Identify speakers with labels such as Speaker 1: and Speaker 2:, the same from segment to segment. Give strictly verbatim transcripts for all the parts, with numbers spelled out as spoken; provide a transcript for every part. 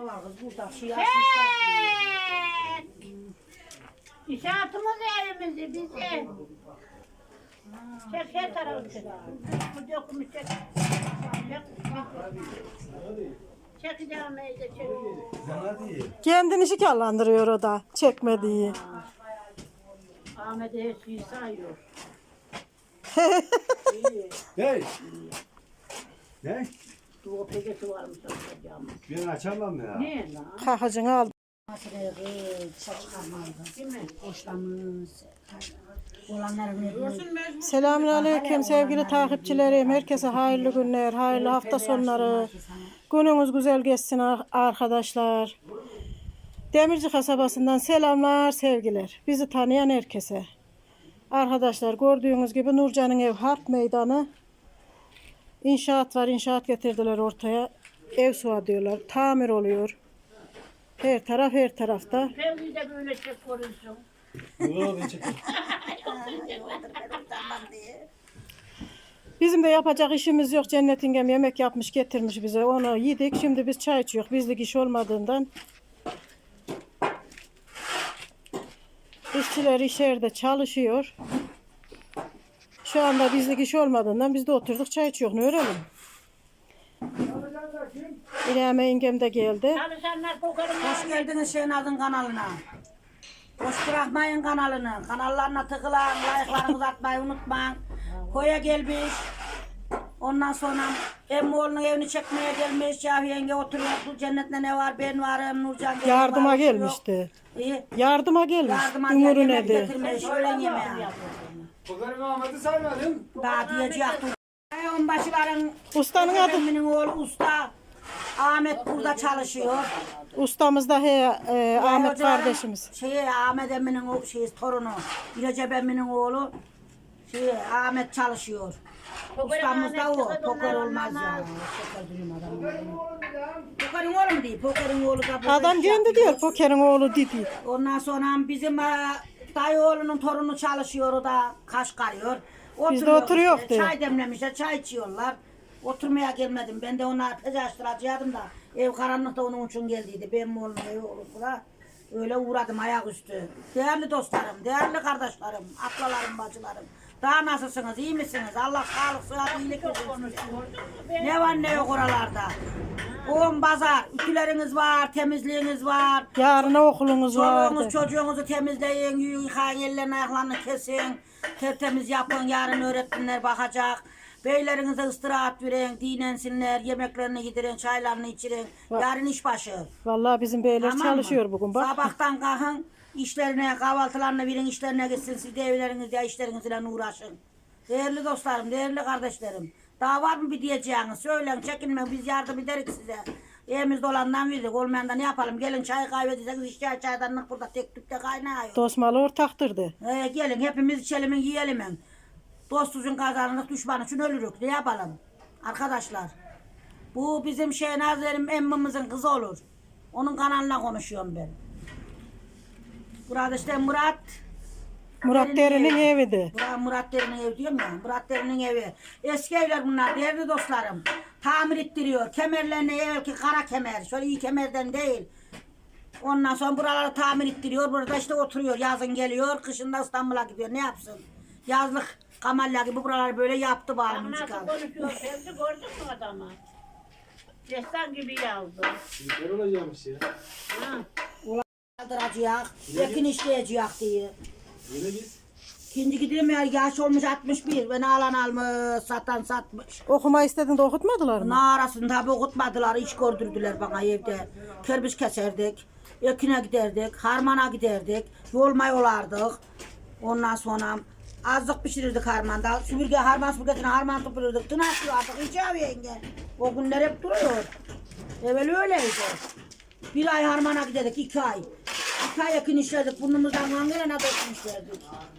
Speaker 1: da var kız burada. Şey açmışlar.
Speaker 2: İnşaatımız evimizi bizi. Çek her tarafı çek. Bu dökümü çek. Çekeceğim evde çek.
Speaker 3: Kendini şikarlandırıyor o da. Çekmediği.
Speaker 2: Ahmet'e her şeyi sayıyor.
Speaker 4: Hey. Ne?
Speaker 2: Bu pekesi varmış açacağım.
Speaker 4: Ben açamam ya.
Speaker 2: Ne lan?
Speaker 3: Kahacını aldı.
Speaker 1: Makineye çıkarmalıydı. Değil mi? Boşlamış. Olanları veriyor.
Speaker 3: Selamünaleyküm sevgili takipçilerim. Herkese hayırlı günler, hayırlı hafta sonları. Gününüz güzel geçsin arkadaşlar. Demirci kasabasından selamlar, sevgiler. Bizi tanıyan herkese. Arkadaşlar gördüğünüz gibi Nurcan'ın ev harp meydanı. İnşaat var, inşaat getirdiler ortaya. Ev suha diyorlar. Tamir oluyor. Her taraf her tarafta.
Speaker 2: Fevzi de böyle çek korunsun.
Speaker 4: Yok ben çekeyim.
Speaker 3: Bizim de yapacak işimiz yok. Cennet İngem yemek yapmış getirmiş bize. Onu yedik. Şimdi biz çay içiyoruz. Bizlik iş olmadığından. İşçiler içeride çalışıyor. Şu anda bizlik iş olmadığından biz de oturduk çay içiyoruz. Ne öğrenelim? İlham İngem de geldi.
Speaker 2: Çalışanlar kokarım.
Speaker 1: Hoş geldiniz Şenaz'ın kanalına. Boş bırakmayın kanalını. Kanallarına tıklayın, like'larınızı atmayı unutmayın. Koya gelmiş. Ondan sonra Emmoğlu'nun evini çekmeye gelmiş. Şafi yenge oturuyor. Bu cennette ne var? Ben varım. Nurcan geldi.
Speaker 3: Yardıma
Speaker 1: var,
Speaker 3: gelmişti.
Speaker 1: İyi.
Speaker 3: Yardıma gelmiş.
Speaker 1: Yardıma
Speaker 3: Ümür'ün
Speaker 1: yemek
Speaker 3: evi.
Speaker 1: getirmiş. Öğlen yemeği.
Speaker 4: Kokarım Ahmet'i saymadım.
Speaker 1: Daha diyecek. Onbaşıların
Speaker 3: Ustanın adı.
Speaker 1: Emimin oğlu usta. Ahmet burada çalışıyor.
Speaker 3: Ustamız da he, e, Ahmet
Speaker 1: Hocaların
Speaker 3: kardeşimiz.
Speaker 1: Şey, Ahmet emminin o şey, torunu. Recep emminin oğlu. Şey, Ahmet çalışıyor. Ustamız da o. Poker olmaz ya. Poker duyum adam. Pokerin oğlu mu değil? Pokerin oğlu da.
Speaker 3: Adam kendi diyor pokerin oğlu dedi.
Speaker 1: Ondan sonra bizim e, dayı oğlunun torunu çalışıyor. O da Kaşgarıyor.
Speaker 3: Biz de oturuyoruz
Speaker 1: işte,
Speaker 3: diyor.
Speaker 1: çay demlemişler, çay içiyorlar. Oturmaya gelmedim. Ben de ona pez açtıracaktım da ev karanlıkta onun için geldiydi. Benim oğlum evi olup da öyle uğradım ayaküstü. Değerli dostlarım, değerli kardeşlerim, ablalarım, bacılarım. Daha nasılsınız, iyi misiniz? Allah sağlık, sıhhat, iyilik versin. Ne var ne yok oralarda. On pazar, ütüleriniz var, temizliğiniz var.
Speaker 3: Yarına okulunuz vardı.
Speaker 1: Çoluğunuz çocuğunuzu temizleyin, yıkayın, ellerini ayaklarını kesin. Tertemiz yapın, yarın öğretmenler bakacak. Beylerinize ıstirahat verin, dinlensinler, yemeklerini yedirin, çaylarını içirin. Yarın iş başı.
Speaker 3: Vallahi bizim beyler
Speaker 1: Tamam
Speaker 3: çalışıyor
Speaker 1: mı?
Speaker 3: bugün bak.
Speaker 1: Sabahtan kalkın, işlerine, kahvaltılarını verin, işlerine gitsin. Siz de evlerinizde, işlerinizle uğraşın. Değerli dostlarım, değerli kardeşlerim. Daha var mı bir diyeceğiniz? Söyleyin, çekinmeyin, biz yardım ederiz size. Evimizde olandan verdik, olmayandan ne yapalım? Gelin çay kaybedeceksiniz, iş çay çaydanlık burada tek tükte kaynıyor.
Speaker 3: Dostmalı ortaktırdı.
Speaker 1: Ee, gelin hepimiz içelim, yiyelim. Dostuzun kazanırız, düşman için ölürük. Ne yapalım? Arkadaşlar, bu bizim Şehnazer'im emmimizin kızı olur. Onun kanalına konuşuyorum ben. Burada işte Murat.
Speaker 3: Murat Derin'in eviydi.
Speaker 1: Murat, Murat Derin'in evi diyorum ya. Murat Derin'in evi. Eski evler bunlar, değerli dostlarım. Tamir ettiriyor. Kemerlerini evvelki kara kemer. Şöyle iyi kemerden değil. Ondan sonra buraları tamir ettiriyor. Burada işte oturuyor. Yazın geliyor. Kışında İstanbul'a gidiyor. Ne yapsın? Yazlık kamalya gibi buraları böyle yaptı bağımlı
Speaker 2: Nasıl
Speaker 1: çıkalım.
Speaker 2: konuşuyor Fevzi gördün mü adamı? Destan gibi yazdı.
Speaker 4: Ne olacakmış ya?
Speaker 2: Ha.
Speaker 1: Kaldıracak. Ekin işleyecek diye.
Speaker 4: Yine biz.
Speaker 1: İkinci gidelim ya, yaş olmuş altmış bir. Beni alan almış, satan satmış.
Speaker 3: Okuma istedin de okutmadılar mı?
Speaker 1: Ne arasın tabi okutmadılar, iş gördürdüler bana evde. Kerbiç keserdik, ekine giderdik, harmana giderdik, yolma yolardık. Ondan sonra azlık pişirirdik harmanda. Süpürge, harman süpürgesine harman süpürürdük. Tınaklı artık hiç abi yenge. O günler hep duruyor. Evvel öyleydi. Bir ay harmana giderdik, iki ay. İki ay ekin işlerdik, burnumuzdan hangine dökmüşlerdik.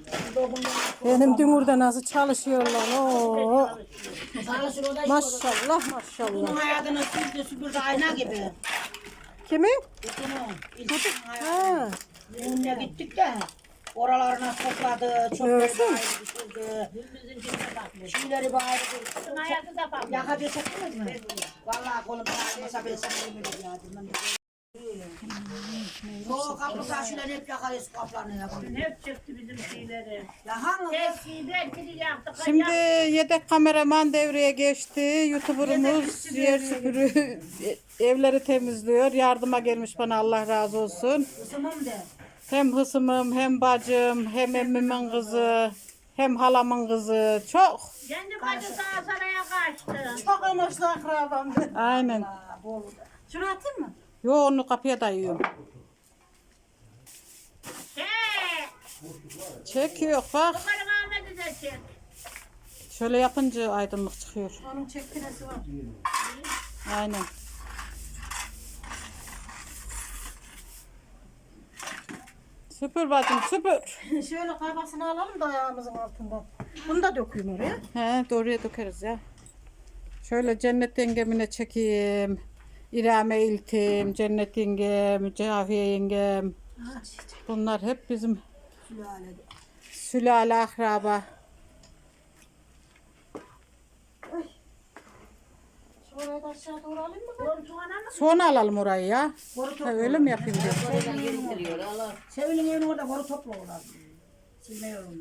Speaker 3: Benim Dümür'de nasıl çalışıyorlar. Oo.
Speaker 1: Çalışır o da iş olur.
Speaker 3: Maşallah maşallah.
Speaker 1: Bunun hayatını süpürdü süpürdü ayna gibi.
Speaker 3: Kimin?
Speaker 1: Bunun ilk
Speaker 3: Ha.
Speaker 1: Önüne gittik de oralarına topladı, çöpleri
Speaker 3: Görsün.
Speaker 1: bağırdı, düşürdü. Şeyleri bağırdı.
Speaker 2: Hayatı da bakmış.
Speaker 1: Yakacı çektiniz mi? Vallahi kolum ağrımasa ben sana yemin ediyorum. Soğuk kapı taşıyla hep yakarız kaplarını yapıyor.
Speaker 2: Hep çıktı bizim şeyleri.
Speaker 1: Ya hangi?
Speaker 2: Tepsiyi belki yaktık.
Speaker 3: Şimdi yedek kameraman devreye geçti. YouTuber'ımız yer süpürü evleri temizliyor. Yardıma gelmiş bana, Allah razı olsun.
Speaker 1: Isımım de.
Speaker 3: Hem hısımım, hem bacım, hem emmimin kızı, hem halamın kızı. Çok.
Speaker 2: Kendi bacı sağa saraya kaçtı.
Speaker 3: Çok amaçlı akrabam. Aynen.
Speaker 1: Ha, bol.
Speaker 3: Şunu atayım mı? Yo, onu kapıya dayıyorum.
Speaker 2: He.
Speaker 3: Çekiyor bak.
Speaker 2: Bakarım Ahmet'i de çek.
Speaker 3: Şöyle yapınca aydınlık çıkıyor.
Speaker 1: Onun çektiresi var.
Speaker 3: Aynen. Süpür bacım, süpür.
Speaker 1: Şöyle kaymasını alalım da ayağımızın altından. Bunu da dökeyim oraya.
Speaker 3: He, doğruya dökeriz ya. Şöyle Cennet yengemine çekeyim. İrame İltim, Cennet yengem, Cafiye yengem. Bunlar hep bizim
Speaker 1: Sülalede.
Speaker 3: sülale akraba.
Speaker 1: Şuraya da aşağı doğru alayım mı?
Speaker 2: Koltuğuna mı?
Speaker 3: Sonra alalım orayı ya.
Speaker 1: Boru
Speaker 3: Ha,
Speaker 1: topla.
Speaker 3: öyle mi yapayım diyor.
Speaker 1: Sevil'in evine orada boru topla orada. Silme yolunda.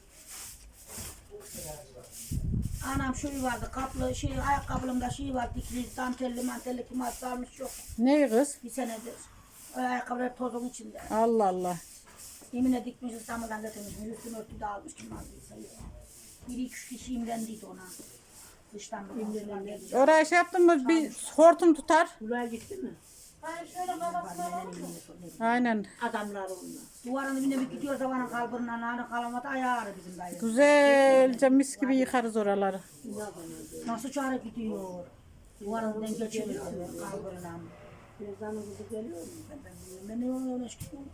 Speaker 1: Anam şu vardı, kaplı şey, ayakkabılımda şey var, dikili, dantelli, mantelli, kim sarmış yok.
Speaker 3: Ne kız?
Speaker 1: Bir senedir. O ayakkabılar tozun içinde.
Speaker 3: Allah Allah.
Speaker 1: Yemine dikmiş, İstanbul'dan getirmiş, üstünü örtü de almış, kim aldıysa. Biri iki üç kişi imrendi ona. Dıştan bir
Speaker 3: Oraya şey yaptın mı bir hortum tutar.
Speaker 2: Buraya gitti mi?
Speaker 1: Hayır, şöyle babasına var mı?
Speaker 3: Aynen.
Speaker 2: Adamlar onunla.
Speaker 1: Duvarın dibine bir gidiyor zamanın kalburinden, hani kalamadı, ayağı ağrı bizim dayı.
Speaker 3: Güzelce mis gibi yıkarız oraları.
Speaker 1: Nasıl çare gidiyor? Duvarın dibinden geçiriyor kalburinden.
Speaker 2: Birazdan kızı geliyor mu?
Speaker 1: Ben, ben, ben, ben öyle çıkıyorum.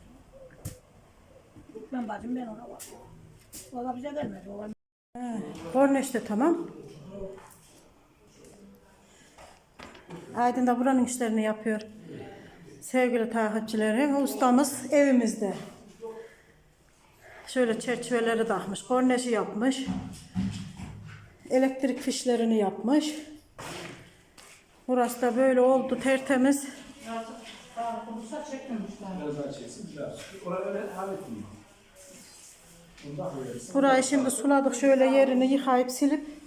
Speaker 1: Ben bacım ben ona var. O da bize gelmedi. O da...
Speaker 3: Korneş de tamam. Aydın da buranın işlerini yapıyor. Sevgili takipçilerim, ustamız evimizde. Şöyle çerçeveleri takmış, korneşi yapmış. Elektrik fişlerini yapmış. Burası da böyle oldu, tertemiz.
Speaker 4: Biraz daha çeksin. Biraz. Oraya öyle hallettim. Bundan böyle.
Speaker 3: Burayı şimdi suladık, şöyle yerini yıkayıp silip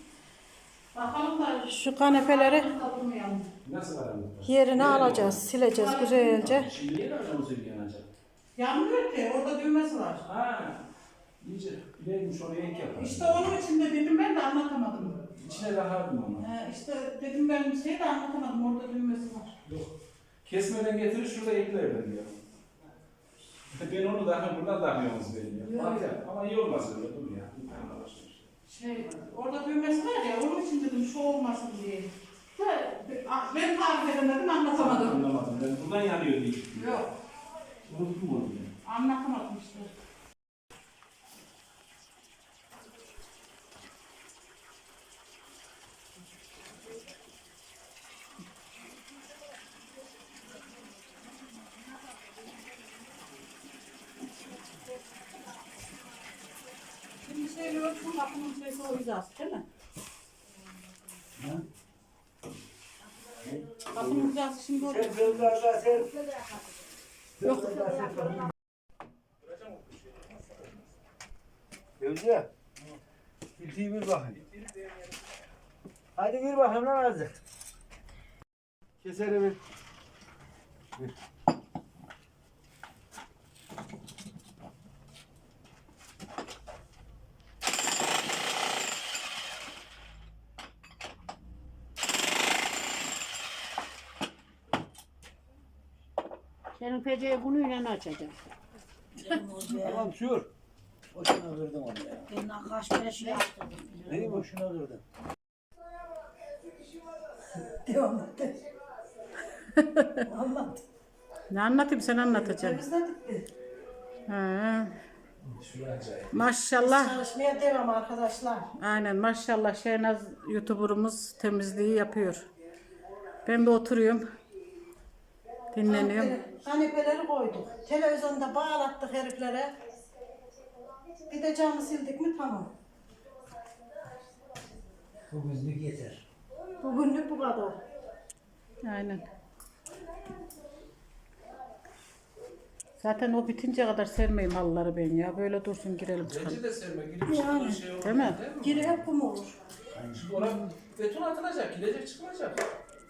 Speaker 3: şu kanepeleri
Speaker 4: Nasıl aramızda?
Speaker 3: yerine alacağız, sileceğiz güzelce.
Speaker 4: Şimdi niye aracımı söylüyorsun acaba?
Speaker 3: Yanmıyor ki, orada düğmesi var.
Speaker 4: Ha. İyice bileymiş oraya ek yapar.
Speaker 3: İşte onun için de dedim, ben de anlatamadım.
Speaker 4: İçine rahatım onu.
Speaker 3: Ee, işte dedim, ben bir şey de anlatamadım, orada düğmesi var.
Speaker 4: Yok. Kesmeden getirir şurada eklerler diyor. Ben onu daha buradan takmıyoruz benim ya. Bak ya, ama iyi olmaz öyle dur ya. Bir tane var.
Speaker 3: Şey, orada düğmesi var ya, onun için dedim şu olmasın diye. De, ben tarif edemedim, anlatamadım.
Speaker 4: Anlamadım. Ben buradan yanıyor diye.
Speaker 3: Yok,
Speaker 4: Unuttum onu ya.
Speaker 3: anlatamadım işte. Şimdi şey ölçüm kapının şeysi olacağız, değil mi? Kapının hizası şimdi olacak. Yok.
Speaker 5: Gözde. İltiyi bir bakayım. Hadi bir bakayım lan azıcık. Keseri bir. Bir.
Speaker 2: Senin peceyi bununla açacağım.
Speaker 5: Tamam sür. Boşuna kırdım onu ya.
Speaker 1: Ben kaç kere şey yaptım.
Speaker 5: Neyi boşuna kırdın?
Speaker 1: Devam et. Anlat.
Speaker 3: Ne anlatayım, sen anlatacaksın.
Speaker 1: Temizledik mi?
Speaker 3: He. Maşallah.
Speaker 1: Çalışmaya devam arkadaşlar.
Speaker 3: Aynen maşallah, Şehnaz YouTuber'ımız temizliği yapıyor. Ben de oturuyorum. Dinleniyorum.
Speaker 1: Kanepeleri koyduk. Televizyonda bağlattık heriflere. Bir de camı sildik mi tamam.
Speaker 5: Bugünlük yeter.
Speaker 1: Bugünlük bu kadar.
Speaker 3: Aynen. Zaten o bitince kadar sermeyeyim halıları ben ya. Böyle dursun girelim çıkalım.
Speaker 4: Bence de serme. Girip çıkma şey olur.
Speaker 3: Değil mi?
Speaker 1: Geri hep kum olur.
Speaker 4: Şimdi oraya beton atılacak, gidecek çıkılacak.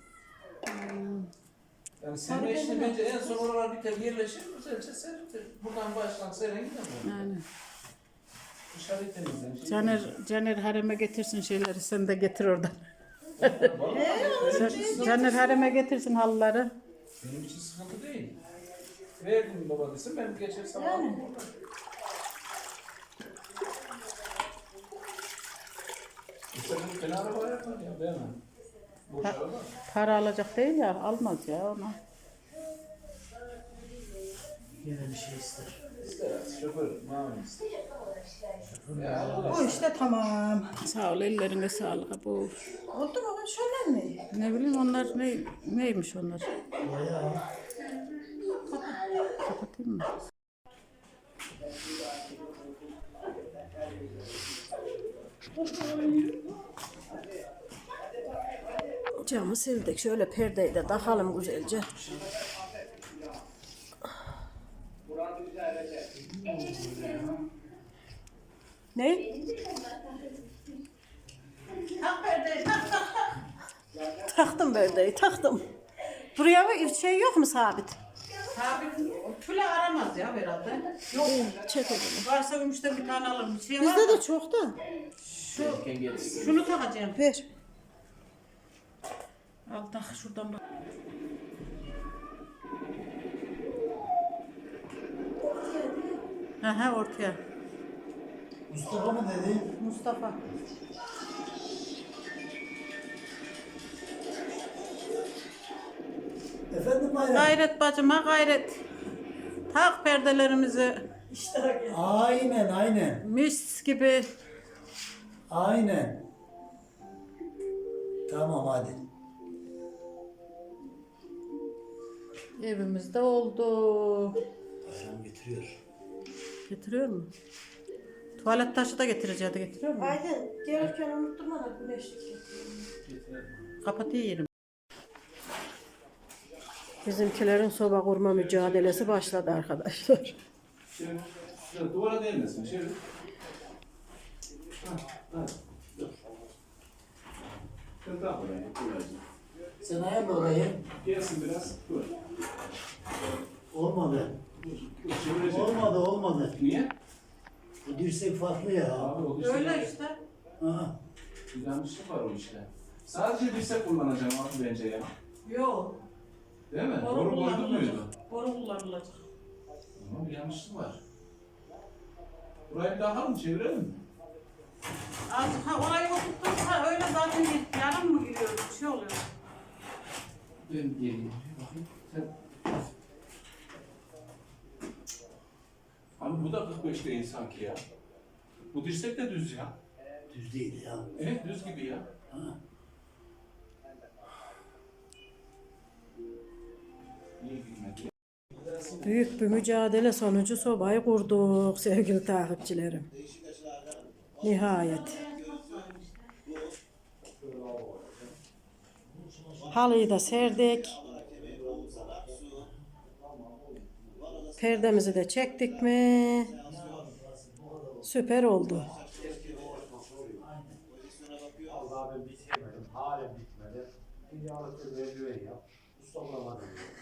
Speaker 4: Yani serme işini bence en son oralar biter yerleşir, güzelce serilir. Buradan baştan seren gidemem.
Speaker 3: Yani.
Speaker 4: Dışarı temizlen. Şey
Speaker 3: Caner, Caner hareme getirsin şeyleri sen de getir oradan. Can- Caner hareme getirsin halıları.
Speaker 4: Benim için sıkıntı değil. Verdim baba desin, ben geçersem alırım oradan. İşte bunu fena araba yapar ya, değil mi? Boş araba.
Speaker 3: Para alacak değil ya almaz ya ona.
Speaker 5: Yine bir şey ister.
Speaker 4: İster az, şoför, mamur ister. Ya Allah.
Speaker 1: Bu işte tamam.
Speaker 3: Sağ ol ellerine sağlık. Bu
Speaker 1: Oldu mu? Şöyle mi?
Speaker 3: ne bileyim onlar ne neymiş onlar?
Speaker 5: Bayağı.
Speaker 3: Kapatayım mı? Camı sildik. Şöyle perdeyi de takalım güzelce. Ne?
Speaker 2: Tak perdeyi tak tak tak.
Speaker 3: Taktım perdeyi, taktım. Buraya bir şey yok mu sabit?
Speaker 2: Sabit tüle aramaz ya herhalde. Yok.
Speaker 3: Çek o zaman.
Speaker 2: Varsa gümüşten bir tane alırım. Bir şey var
Speaker 3: Bizde
Speaker 2: mı?
Speaker 3: de çok da.
Speaker 2: Şunu takacağım.
Speaker 3: Ver. Al tak şuradan bak. Aha ortaya.
Speaker 5: Mustafa mı dedi?
Speaker 3: Mustafa.
Speaker 5: Efendim bayram.
Speaker 3: Gayret bacıma gayret. Tak perdelerimizi.
Speaker 5: Aynen aynen.
Speaker 3: Mis gibi.
Speaker 5: Aynen. Tamam hadi.
Speaker 3: Evimizde oldu.
Speaker 5: Bayram getiriyor.
Speaker 3: Getiriyor mu? Tuvalet taşı da getireceği de getiriyor mu?
Speaker 1: Haydi gelirken unutturma da güneşlik.
Speaker 3: Kapatıyor yerim. Bizimkilerin soba kurma mücadelesi başladı arkadaşlar.
Speaker 4: Şöyle, şöyle duvara değmesin, şöyle. Ha, ha, dur. Şöyle daha buraya, kolayca.
Speaker 5: Sen ayarla orayı.
Speaker 4: Gelsin biraz, dur.
Speaker 5: Olmadı.
Speaker 4: Dur, dur, çevirecek.
Speaker 5: Olmadı olmadı.
Speaker 4: Niye?
Speaker 5: Bu dirsek farklı ya.
Speaker 4: Abi o işte.
Speaker 2: Öyle işte.
Speaker 5: Ha.
Speaker 4: Bir yanlışlık var o işte. Sadece dirsek kullanacağım abi bence ya.
Speaker 2: Yok.
Speaker 4: Değil mi?
Speaker 2: Boru
Speaker 4: Doğru koydun
Speaker 2: kullanılacak.
Speaker 4: muydu?
Speaker 2: Boru kullanılacak.
Speaker 4: Ama bir yanlışlık var. Burayı bir daha mı çevirelim mi?
Speaker 2: Azıcık ha orayı oturtursa öyle zaten yarım mı giriyor? Bir şey oluyor.
Speaker 4: Ben geleyim. Bakayım. Sen... Abi bu da kırk beş değil sanki ya. Bu dirsek de düz ya.
Speaker 5: Düz değil ya.
Speaker 4: Evet düz gibi ya.
Speaker 5: Ha.
Speaker 4: Niye girmedi?
Speaker 3: Büyük bir mücadele sonucu sobayı kurduk sevgili takipçilerim. Nihayet. Halıyı da serdik. Perdemizi de çektik mi? Süper oldu.
Speaker 6: Vallahi ben bitirmedim. Halen bitmedi. Bir yağlık bir merdiven yap. Usta bulamadım.